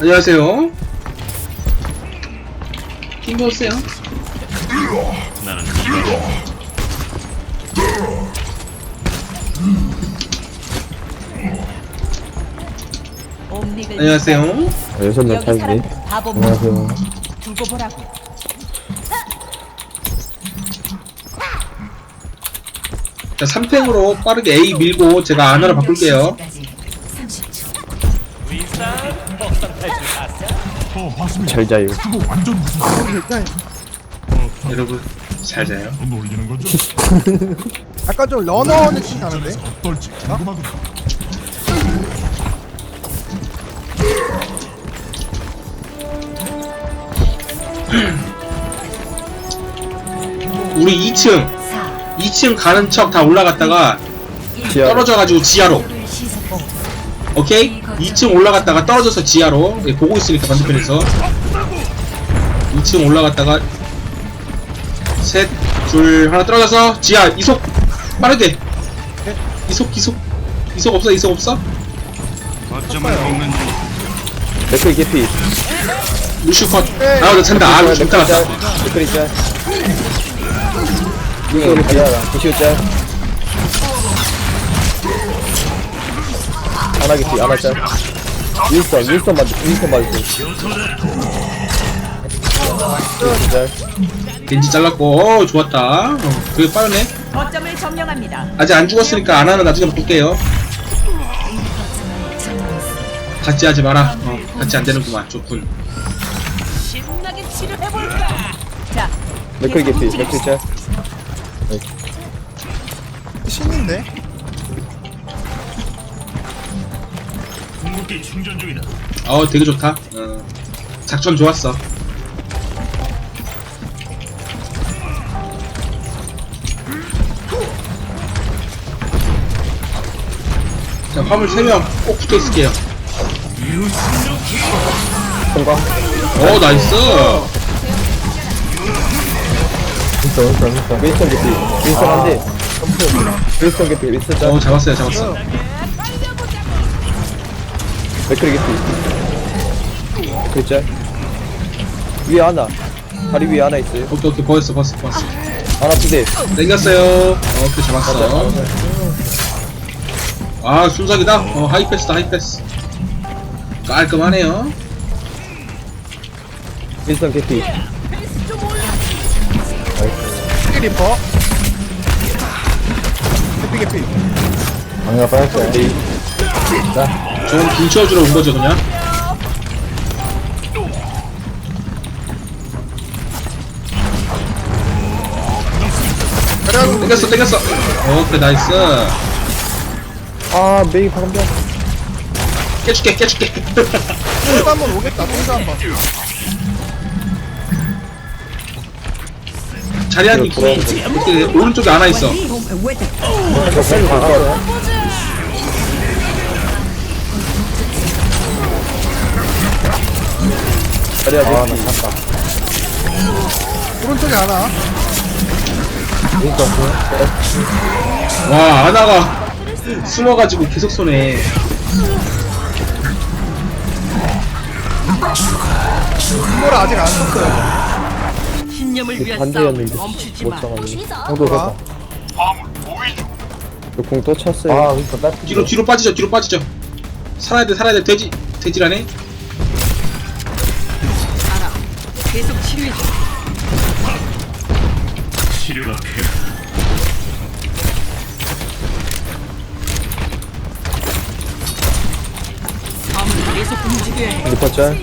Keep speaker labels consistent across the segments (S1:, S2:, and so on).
S1: 안녕하세요. 힘 오세요.
S2: 나는
S1: 안녕하세요.
S3: 여섯명
S4: 여기
S3: 차이지.
S4: 사람들 바보
S3: 안녕하세요.
S4: 두고 보라고.
S1: 자, 3탱으로 빠르게 A 밀고 제가 아나로 바꿀게요.
S3: 잘 자요.
S1: 여러분 잘 자요.
S5: 놀리는 거죠?
S6: 약간 좀 러너 느낌 나는데?
S5: 어떨지 궁금하군요.
S1: 우리 2층 가는 척 다 올라갔다가
S3: 지하.
S1: 떨어져가지고 지하로. 오케이? 2층 올라갔다가 떨어져서 지하로. 예, 보고 있으니까 반대편에서 2층 올라갔다가 셋, 둘, 하나 떨어져서 지하 이속 빠르게. 이속 없어?
S2: 거점을 먹는 중.
S3: 맥클 개피.
S1: 루시우 컷. 아, 나 찬다. 아, 루시우 컷.
S3: 맥클이 짤. 이거 루시우 짤. 하나 개피, 하나 짤. 윌son 맞을 짤.
S1: 겐지 잘랐고. 좋았다. 그게 빠르네.
S4: 거점을 점령합니다.
S1: 아직 안 죽었으니까 안 하나 나중에 바꿀게요. 같이 하지 마라. 같이 안 되는구만. 좋군.
S4: 신나게 치료해볼까? 자,
S3: 맥클 개피, 맥클 짤.
S6: 신인데?
S2: 궁극기 충전 중이다.
S1: 되게 좋다. 작전 좋았어. 자, 화물 3명 꼭 붙어 있을게요.
S3: 성공.
S1: 나이스.
S3: 윌son 개피. 윌son 한 대. 윌son 개피, 윌son 짤.
S1: 잡았어.
S3: 맥클 개피. 맥클 짤. 위에 하나. 다리 위에 하나 있어요.
S1: 오케이, 보였어.
S3: 하나 두 대.
S1: 땡겼어요. 오케이, 잡았어. 아, 순삭이다. 하이패스다, 하이패스. 깔끔하네요.
S3: 윌son 개피.
S6: 리퍼 개피
S3: 방금 빠졌어요.
S1: 저건 불 채워주러 온 거죠, 그냥? 땡겼어. 오케이, 나이스.
S3: 아, 메이 방금 전.
S1: 깨줄게.
S6: 똥도 한번 오겠다 똥도 한번
S1: 자리한이 이렇게 오른쪽에 하나 있어.
S3: 자리야, 아, 나 잤다.
S6: 오른쪽에 하나
S1: 와, 아나가 숨어가지고 계속 쏘네.
S6: 이걸 아직 안 썼어요
S4: 신념을 위한 싸움
S3: 반대였는데
S4: 멈추지
S3: 못
S4: 마.
S3: 잡았네. 형도
S6: 아,
S3: 그 공 또 찼어요. 아, 그니까
S1: 뒤로 빠지죠. 살아야 돼. 돼지라네.
S4: 알아. 계속 치료해줘.
S2: 치료가 필요.
S4: 마음을 계속 움직여야 해.
S3: 리퍼 짤.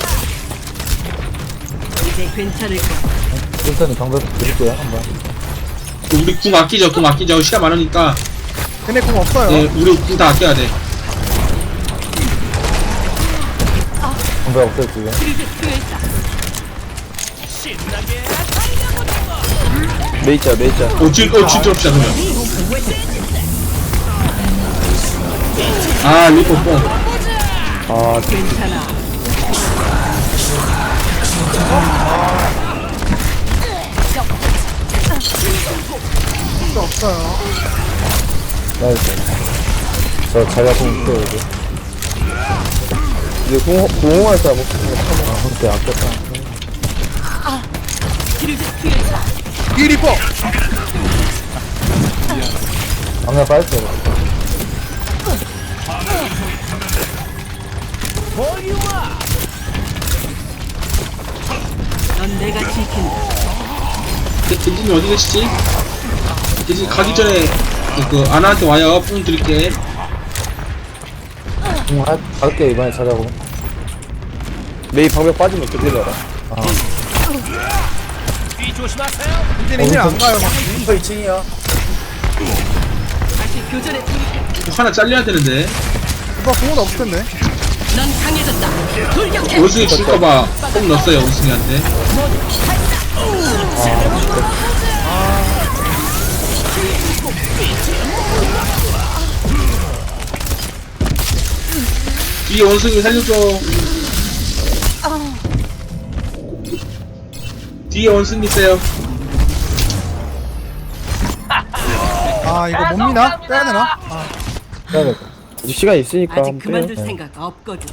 S4: 이제 괜찮을 거야.
S3: 윌선이 방금 드릴게요, 한번.
S1: 우리 궁 아끼죠. 시간 많으니까.
S6: 걔네 공 없어요
S1: 네, 우리 궁 다 아껴야 돼.
S3: 방금 없어요, 지금.
S4: 필요했다.
S3: 메이 짤.
S1: 진짜 없다, 그러면. 아, 리퍼 뽕.
S3: 아,
S4: 괜찮아.
S6: 똥도 없어요
S3: 나이스. 저 자리야 공 있어요, 이제. 이제 공허할 사람 없으니까 아 그때 아꼈다.
S4: 뒤를 뒤에 있다.
S6: 뒤에 리퍼.
S3: 방금 빠졌어요.
S4: 넌 내가 지킨다.
S1: 겐지님 어디 계시지? 겐지 가기 전에 그 아나한테 와요. 뽕 드릴게.
S3: 갈게 이번에 찾아고. 메이 방벽 빠지면 그대로 알아.
S6: 이제는 힐 안 가요.
S4: 다시 교전에 돌입해.
S1: 하나 잘려야 되는데.
S6: 이거 공은 없을 텐데.
S4: 넌 강해졌다. 돌격해.
S1: 원숭이 줄까봐 뽕 넣었어요. 원숭이한테. 뒤에 원숭이 살려줘. 뒤에 원숭이 있어요.
S6: 아 이거 못 미나? 빼야 되나? 아
S3: 그다음에 시간 있으니까
S4: 아직
S3: 한번
S4: 그만둘
S3: 빼요.
S4: 생각 없거든.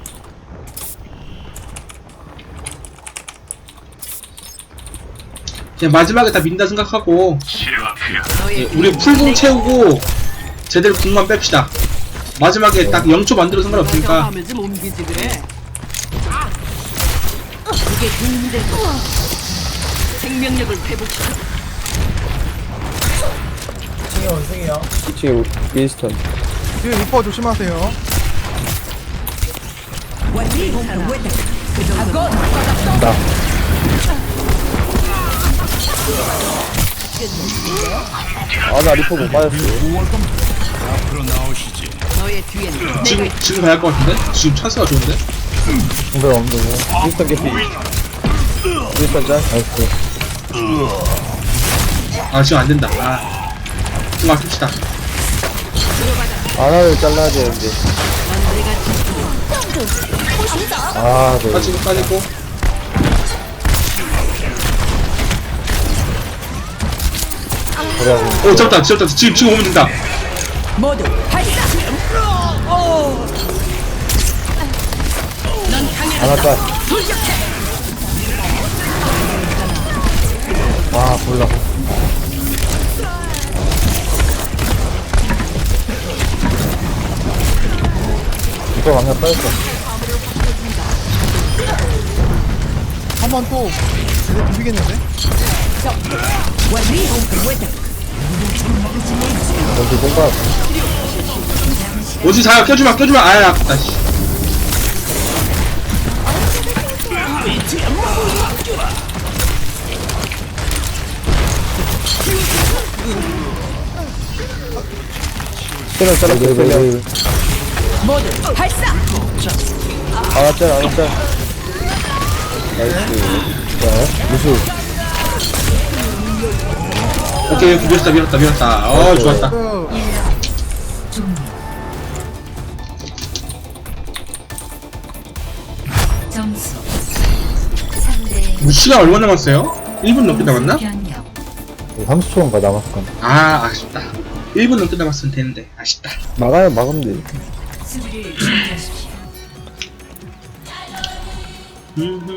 S1: 그냥 마지막에 다 민다 생각하고
S2: 치료가 필요해.
S4: 너의
S1: 우리 풀궁 채우고 제대로 궁만 뺍시다. 마지막에 딱 0초 만들어 상관없으니까.
S4: 하면 좀 옮기지 그래. 이게 도움이 될 거야. 생명력을 회복시켜.
S3: 지금 윈스턴.
S6: 뒤에 리퍼 조심하세요.
S3: 나. 아나 리포 못 빠졌어.
S2: 앞으로 나오시지.
S4: 너의 뒤에는 내가
S1: 지금 가야 할 것 같은데? 지금 찬스가 좋은데?
S3: 공백 없는 거. 윈스턴 개피. 윈스턴 짤. 나이스.
S1: 아 지금 안 된다. 아, 좀 아낍시다.
S3: 아나를 잘라야 되는데.
S4: 넌 내가 지킨다.
S3: 아 네.
S1: 빠지고 빠지고.
S3: 그래가지고.
S1: 오 잡다. 지금 오면 된다.
S4: 모두 발사. 넌 강해졌다.
S3: 아나 짤.
S4: 돌격해.
S3: 아 몰라. 이거 방금 빠졌어.
S6: 한 번 또 이제 비비겠는데?
S3: 여기 뭔가
S1: 어디 자 껴주마. 아야 아깝다. 씨.
S3: 때려 잘라.
S4: 모두 발사.
S3: 아나 짤. 나이스. 자 무수.
S1: 오케이 밀었다. 어 좋았다.
S7: 점수 3대
S1: 뭐 시간 얼마 남았어요? 1분 넘게 남았나?
S7: 변형
S3: 30초인가 남았어.
S1: 아 아쉽다. 1분 넘게 남았으면 되는데 아쉽다.
S3: 막으면 돼.
S7: 수비를 준비하십시오.
S1: 음흠.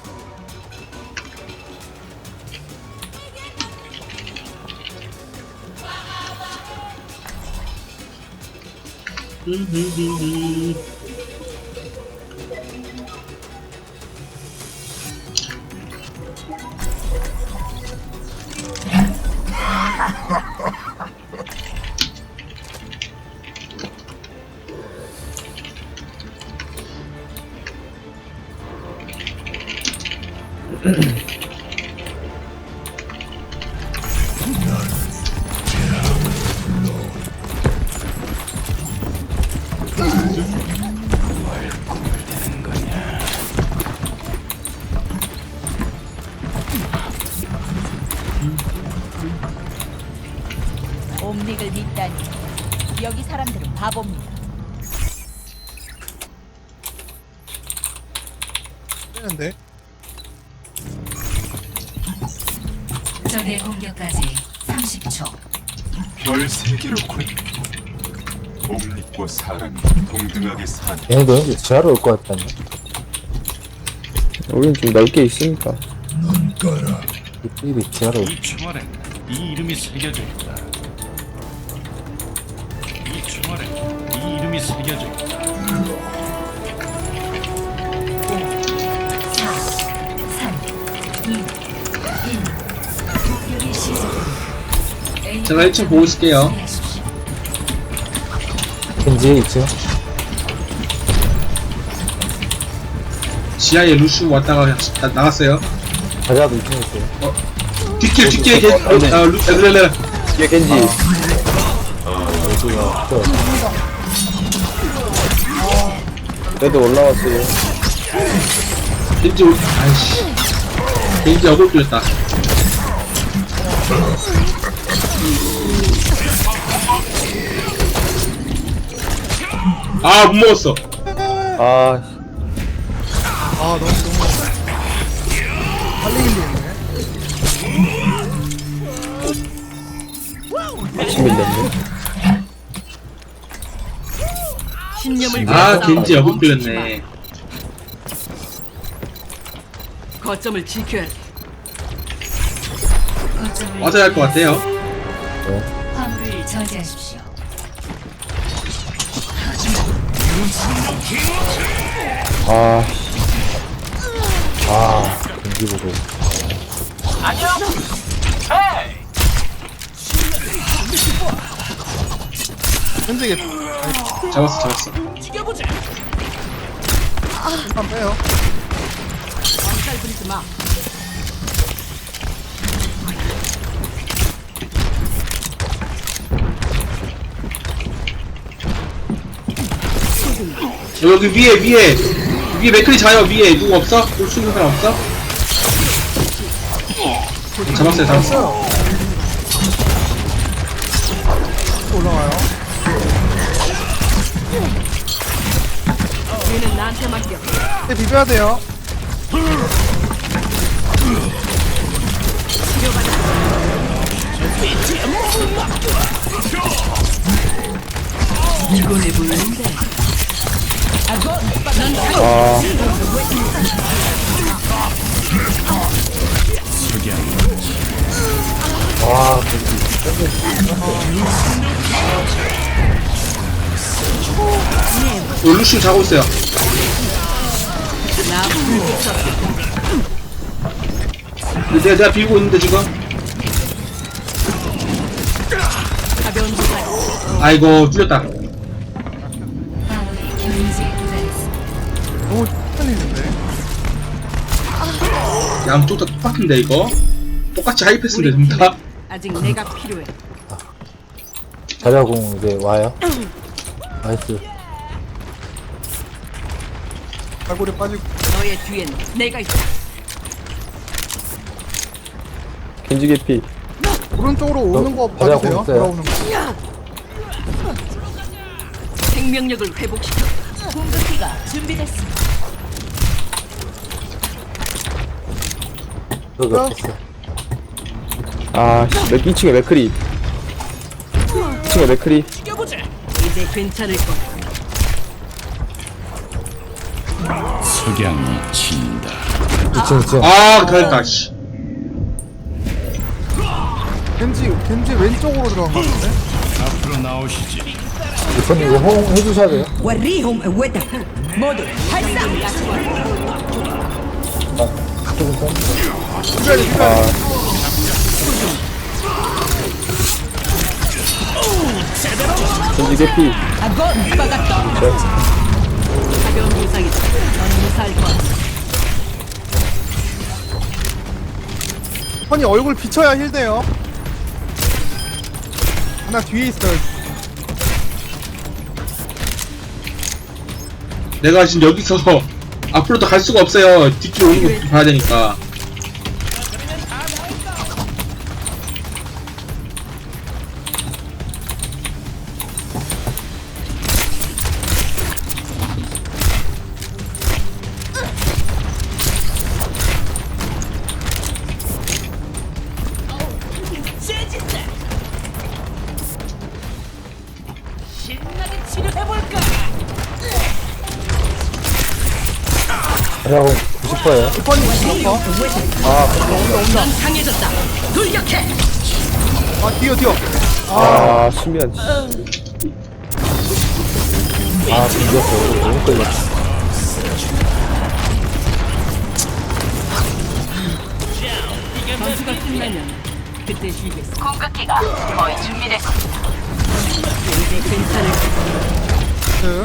S8: 옴닉을 믿다니 여기 사람들은 바보입니다.
S6: 되는데?
S7: 적의 공격까지 30초.
S5: 별 3개로 콜.
S2: 봄빛과 사랑이 동등하게 사는
S3: 얘네도 여기 지하로 올 것 같다니.
S9: 우린 좀 넓게 있으니까.
S3: 이들이 지하로 올
S2: 이 총알에 이 이름이 새겨져 있다. 이 총알에 이 이름이 새겨져 있다.
S7: 4, 3, 2, 1. 공격이 시작됩니다.
S1: 제가 1층 보고 있을게요.
S3: 겐지 있죠?
S1: 지하에 루슈 왔다가 나갔어요.
S3: 자리아도 2층에 있어요.
S1: 뒷길 룰레.
S9: 뒤에 겐지. 그래도 올라왔어요.
S1: 겐지 어글 끌렸다. 아, 못 먹었어.
S9: 아,
S6: 아 너무 달리긴 되네.
S9: 아침 밀렸네.
S4: 신념을
S1: 아,
S4: 위해서
S1: 겐지 어글
S4: 멈추지
S1: 끌렸네.
S4: 마. 거점을 지켜야 돼.
S7: 거점을
S1: 맞아야 할 것 같아요.
S7: 화물을 저지하십시오.
S3: 아, 겐지 보고.
S6: 현직에
S1: 잡았어.
S6: 일단 빼요.
S4: 살 부리지 마.
S1: 여기 위에 맥클이 자요. 위에 누구 없어? 볼수 있는 사람 없어? 잡았어요.
S6: 또 올라가요.
S4: 얘는 나한테 맡겨.
S6: 이제 비벼야 돼요.
S4: 피곤해 보이는데.
S1: 루슈 자고 있어요.
S4: 나 불빛
S1: 내가 비우고 있는데 지금.
S4: 가벼운 부상.
S1: 아이고 뚫렸다.
S7: 화물이 경지에 도달했습니다.
S6: 너무 헷갈리는데.
S1: 양 뚝딱 똑같은데 이거. 똑같이 하이패스인데 전부 다.
S4: 아직 내가 필요해.
S3: 자리아 공 이제 와요. 나이스.
S6: 갈고리 빠지고.
S4: 너의 뒤엔 내가 있다.
S9: 겐지 개피.
S6: 오른쪽으로 오는 거
S3: 자리아
S6: 봐주세요.
S3: 공 있어요.
S6: 돌아오는 거.
S4: 생명력을 회복시켜.
S8: 공격기가 준비됐습니다.
S3: 여기 없었어.
S9: 아, 2층에 맥크리. 2층에 맥크리.
S4: 이제 괜찮을 거야.
S2: 석양이 진다.
S3: 2층.
S1: 아 그랬다. 씨.
S6: 겐지 왼쪽으로 들어간 거 같은데?
S2: 앞으로 나오시지.
S3: 리퍼님 이거 호응 해주셔야 돼요.
S6: 비벼야 돼.
S9: 겐지 개피.
S4: 가벼운 부상이다. 넌 무사할 거야.
S6: 펀이 얼굴 비춰야 힐 돼요. 하나 뒤에 있어요.
S1: 내가 지금 여기서 앞으로 더 갈 수가 없어요. 뒷길 오는 거 봐야 되니까.
S8: 신나게
S3: 형 90%예요.
S6: 리퍼님 리퍼.
S8: 넌 강해졌다. 돌격해.
S6: 아 뛰어.
S9: 아 수면
S3: 아, 비겼어. 너무 끌렸어.
S8: 전투가 끝나면 그때 쉬겠어.
S4: 공격기가 거의 준비됐습니다.
S8: 이제 괜찮을 거야.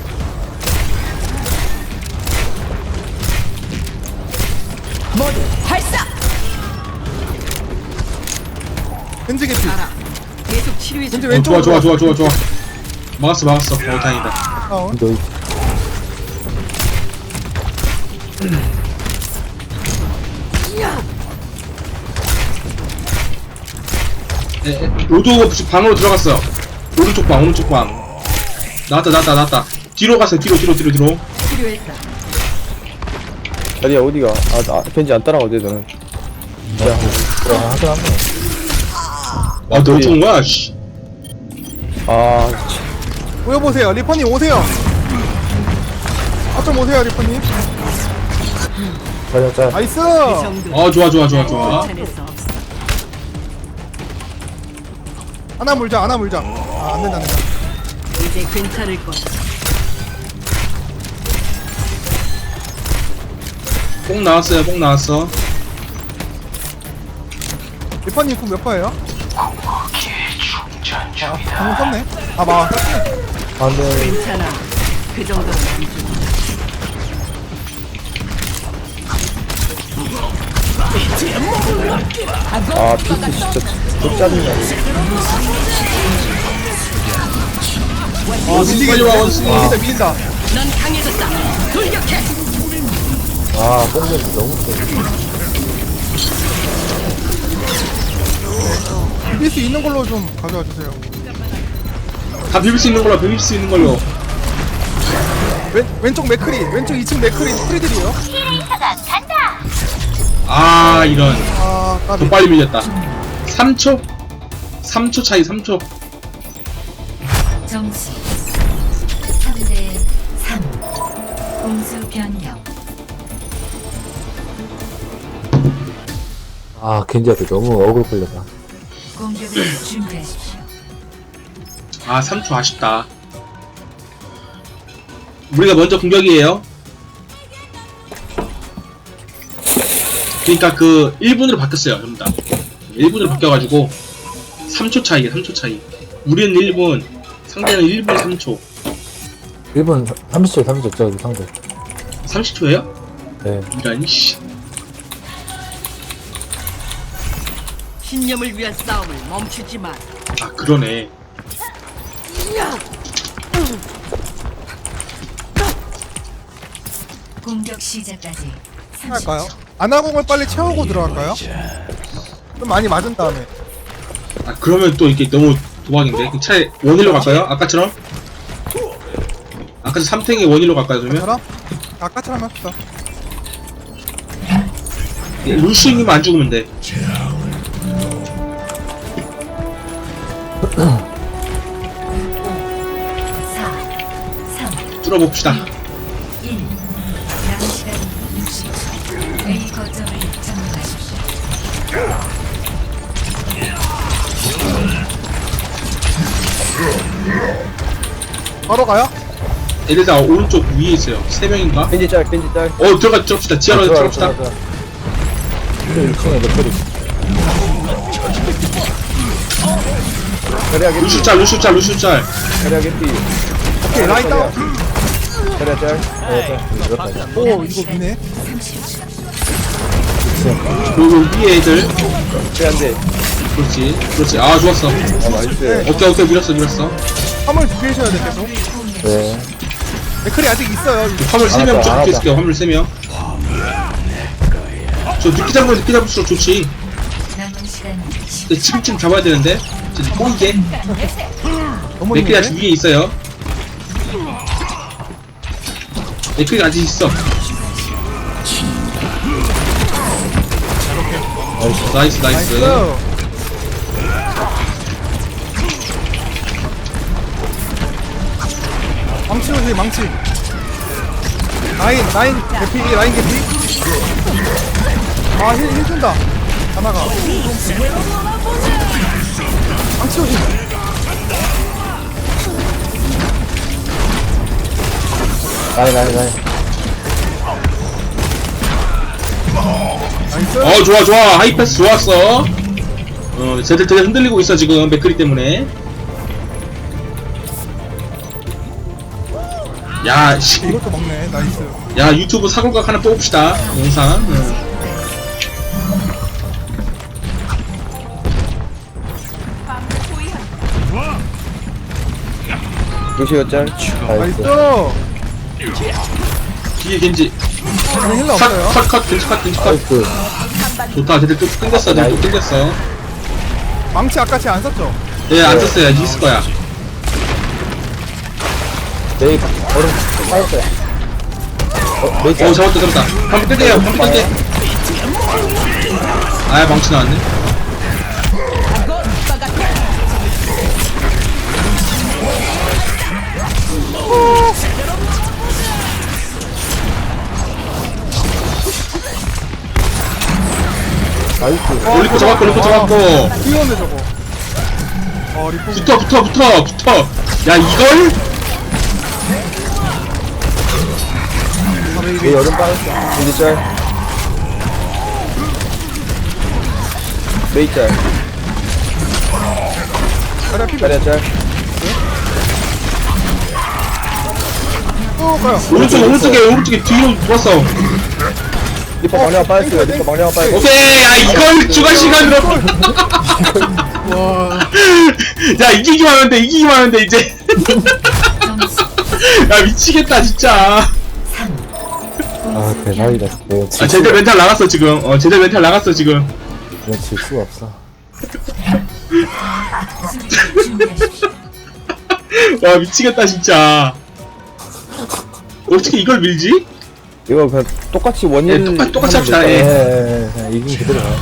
S8: 모두 발사.
S6: 겐지 개피.
S8: 알아. 계속 치료해 줘.
S6: 겐지
S1: 어,
S6: 왼쪽으로.
S1: 좋아. 막았어. 다행이다.
S6: 다운.
S3: 너
S1: 로드 방으로 들어갔어. 오른쪽 방. 나왔다. 뒤로 갔어요. 뒤로.
S8: 치료했다.
S9: 자리야 어디가 나 겐지 안 따라가도 돼 너는
S3: 하긴 한데.
S1: 아, 너 어쩌는 거야? 씨.
S9: 아
S6: 모여보세요. 리퍼님 오세요. 좀 오세요 리퍼님.
S3: 자자.
S6: 나이스.
S8: 그 정도.
S1: 아, 좋아.
S8: 괜찮았어. 없어.
S6: 하나 물자. 아 안된다.
S8: 이제 괜찮을 거야.
S1: 뽕 나왔어.
S6: 리퍼님 몇 퍼예요? 방금 썼네. 아 막.
S3: 안 돼.
S8: 괜찮아. 그 정도는 안 돼.
S9: 아 피트 진짜 çok 짜증나
S1: 빨리 와, 원숭이.
S6: 밀린다.
S8: 넌 강해졌다. 돌격해.
S3: 아, 뽕냄새 너무 세.
S6: 밀 수 있는 걸로 좀 가져와 주세요.
S1: 다 비빌 수 있는 걸로.
S6: 왼쪽 맥크리. 왼쪽 2층 맥크리 프리들이에요.
S1: 아, 이런.
S6: 아 까비.
S1: 더 빨리 밀렸다. 3초 차이.
S7: 점수 3대 3. 공수 변경.
S3: 아, 겐지한테 너무 억울 걸렸다.
S7: 공격을 준비하십시오.
S1: 아, 3초 아쉽다. 우리가 먼저 공격이에요. 그러니까 그 1분으로 바뀌었어요. 전부 다 1분으로 바뀌어가지고 3초 차이. 우리는 1분, 상대는 1분 3초.
S3: 1분 30초 저기 상대.
S1: 30초예요?
S3: 네.
S1: 이런 씨.
S8: 신념을 위한 싸움을 멈추지 마.
S1: 아, 그러네.
S7: 공격 시작까지 30초.
S6: 할까요? 아나공을 빨리 채우고 들어갈까요? 좀 많이 맞은 다음에.
S1: 아, 그러면 또 이게 너무 도박인데. 차라리 원일로 갈까요? 아까처럼 3탱이 원일로 갈까요? 그러면?
S6: 저랑 아까처럼 합시다.
S1: 루시님만 안 죽으면 돼.
S7: 4, 3,
S1: 뚫어봅시다.
S7: 1. 남은 시간 60초. A 거점을 점령하십시오.
S6: 바로 가요?
S1: 애들 다 오른쪽 위에 있어요. 3명인가?
S9: 겐지 짤
S1: 들어갑시다. 지하로 들어갑시다.
S3: 근데 1층에 맥크리.
S9: 자리야 개피
S1: 루슈 짤.
S9: 자리야 개피
S6: 오케이 라인 다운.
S9: 자리야 짤
S3: 이렇다.
S6: 오 이거 미네.
S1: 그리고 위에 애들.
S9: 안돼
S1: 그렇지. 아, 좋았어.
S9: 아 나이스
S1: 오케이, 밀었어.
S6: 화물 준비하셔야 돼 계속.
S3: 네.
S6: 맥크리 아직 있어요.
S1: 화물 3명
S3: 알았다.
S1: 좀 있을게요. 화물 3명. 저 늦게 잡을수록 좋지.
S7: 남은 시간
S1: 근데 지금쯤 잡아야 되는데. 진짜 보이게.
S6: 너무
S1: 맥클이
S6: 미네.
S1: 아직 위에 있어요. 맥클이 아직 있어. 나이스.
S6: 나이스. 망치 오세요 망치. 라인 개피, 라인 개피. 아, 힐 준다. 하나가. 망치 오지.
S3: 라인.
S6: 나이스.
S1: 좋아. 하이패스 좋았어. 쟤들 되게 흔들리고 있어, 지금. 맥크리 때문에. 야, 씨.
S6: 이것도 먹네. 나이스.
S1: 야, 유튜브 사골각 하나 뽑읍시다. 영상.
S9: 루시오 짤.
S6: 나이스.
S1: 뒤에 겐지.
S6: 저는 힐러 없어요.
S1: 겐지 컷.
S3: 나이스.
S1: 좋다. 쟤들 또 땡겼어. 쟤들 또 땡겼어.
S6: 망치 아까 쟤안 썼죠?
S1: 예, 안 썼어요. 있을 거야.
S3: 메이 얼음 빠졌어요. 메이
S1: 잡았다. 방금 뜰게요. 아, 망치 나왔네.
S3: 나이스.
S1: 리포 잡았고.
S6: 귀여운데 저거. 리포.
S1: 붙어. 야, 이걸?
S3: 메이 얼음 빠졌어.
S9: 루시 짤. 메이 짤.
S6: 가려 피.
S9: 자리야 짤.
S6: 가요.
S1: 오른쪽에 뒤로 돌았어.
S9: 리퍼 망령아 빠졌어요. 리퍼 망령아 빠졌어.
S1: 오케이, 야, 이걸 추가 시간으로. 야, 이기기만 하면 돼, 이제. 야, 미치겠다, 진짜.
S3: 아 대박이다. 내가 질
S1: 제대 멘탈 나갔어, 지금.
S3: 그냥 질 수가 없어.
S7: 수비를 준비하십시오.
S1: 와, 미치겠다, 진짜. 어떻게 이걸 밀지?
S9: 이거 그냥 똑같이 원일.
S1: 똑같이 합시다,
S9: 하면 될까요?
S3: 예. 그냥 이긴 그대로 가요.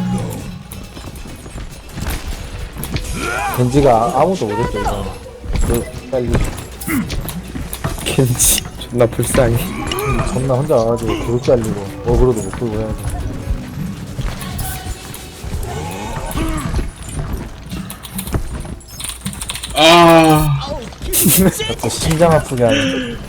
S3: 겐지가 아무도 못했죠 이거. 빨리
S9: 겐지 존나 불쌍해.
S3: 존나 혼자 와가지고 그룹 잘리고 어그로도 못 끌고 해야지. 자꾸 심장 아프게 하네.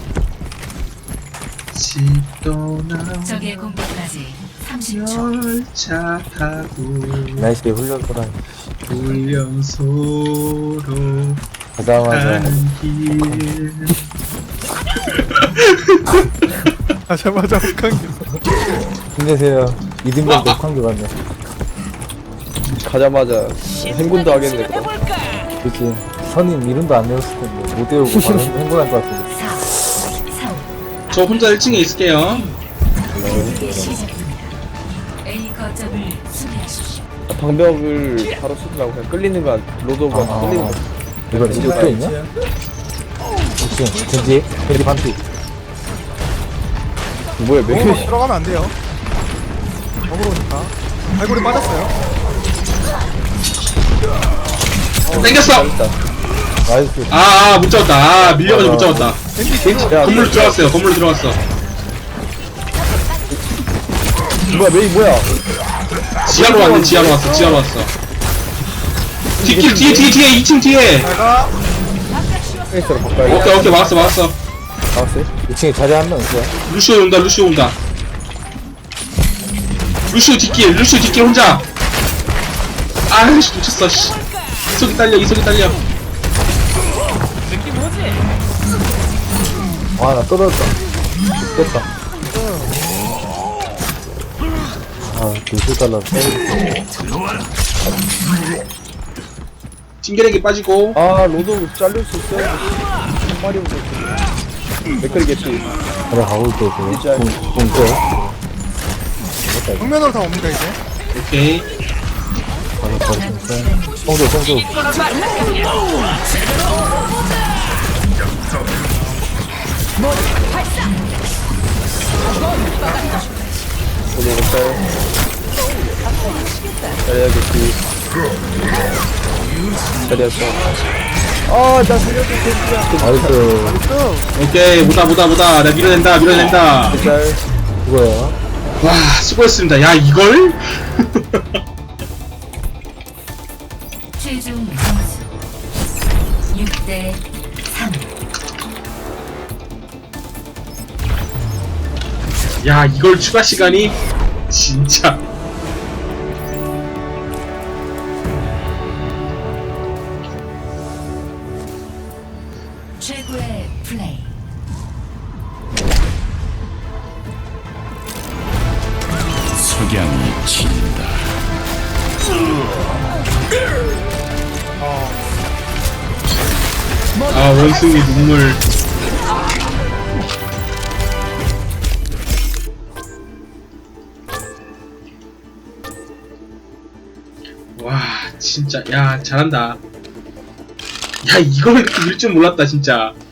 S7: 적의 공격까지 30초.
S1: 열차 타고
S3: 날씨에 훈련소라니.
S1: 훈련소로
S3: 가자마자
S1: 길.
S6: 가자마자 북한기.
S3: 힘내세요. 이등병 녹한교 같네.
S9: 가자마자 행군도 하겠네 그럼.
S3: 그치. 선임 이름도 안 외웠을 텐데 못 외우고 바로 행군할 것 같은데.
S7: 4, 3,
S1: 저 혼자 1층에 있을게요.
S7: 시작합니다. A 거점을 수비하십시오.
S9: 방벽을 바로 쓰지 말고 그냥 끌리는 거 로드오버가 끌리는 거.
S3: 이거 이제 또 있냐? 그치. 겐지 반피.
S9: 뭐야 몇 개?
S6: 들어가면 안 돼요. 먹으러오니까. 발골이 빠졌어요.
S1: 땡겼어!
S3: 나이스.
S1: 못 잡았다. 밀려가지고 못 잡았다.
S9: 야
S1: 건물로 들어갔어.
S9: 뭐야 메이 뭐야?
S1: 지하로 왔어. 뒤에 2층 뒤에.
S6: 내가
S9: 페이스로 바꿔야
S1: 오케이, 막았어.
S9: 나왔어요?
S3: 2층에 자리 한 명 있어요.
S1: 루시오 온다. 루시오 뒷길 혼자. 아이씨, 놓쳤어, 씨. 이속이 딸려.
S3: 아, 나 떨어졌다. 됐다. 아, 2달러 떨어졌어.
S1: 찡게레기 빠지고.
S9: 아 로드오버 잘릴 수 있어. 한 마리 오고. 맥클 개피.
S3: 그래, 가고 있고, 그래.
S9: 진짜.
S3: 또.
S6: 정면으로 다 옵니다 이제.
S1: 오케이.
S3: 바로 버렸어. 뽕도.
S9: 로드오버 짤. 자리야 개피. 자리야 짤. 나 살려줘 겐지야.
S3: 나이스.
S1: 오케이, 보다. 내가 밀어낸다.
S3: 짤. 그거야.
S1: 와, 수고했습니다. 야, 이걸?
S7: 최종 점수 6대 3.
S1: 야, 이걸 추가 시간이? 진짜.
S7: 최고의 플레이.
S2: 석양이 진다.
S1: 아, 원숭이 눈물. 와, 진짜. 야, 잘한다. 야, 이걸 이렇게 밀 줄 몰랐다, 진짜.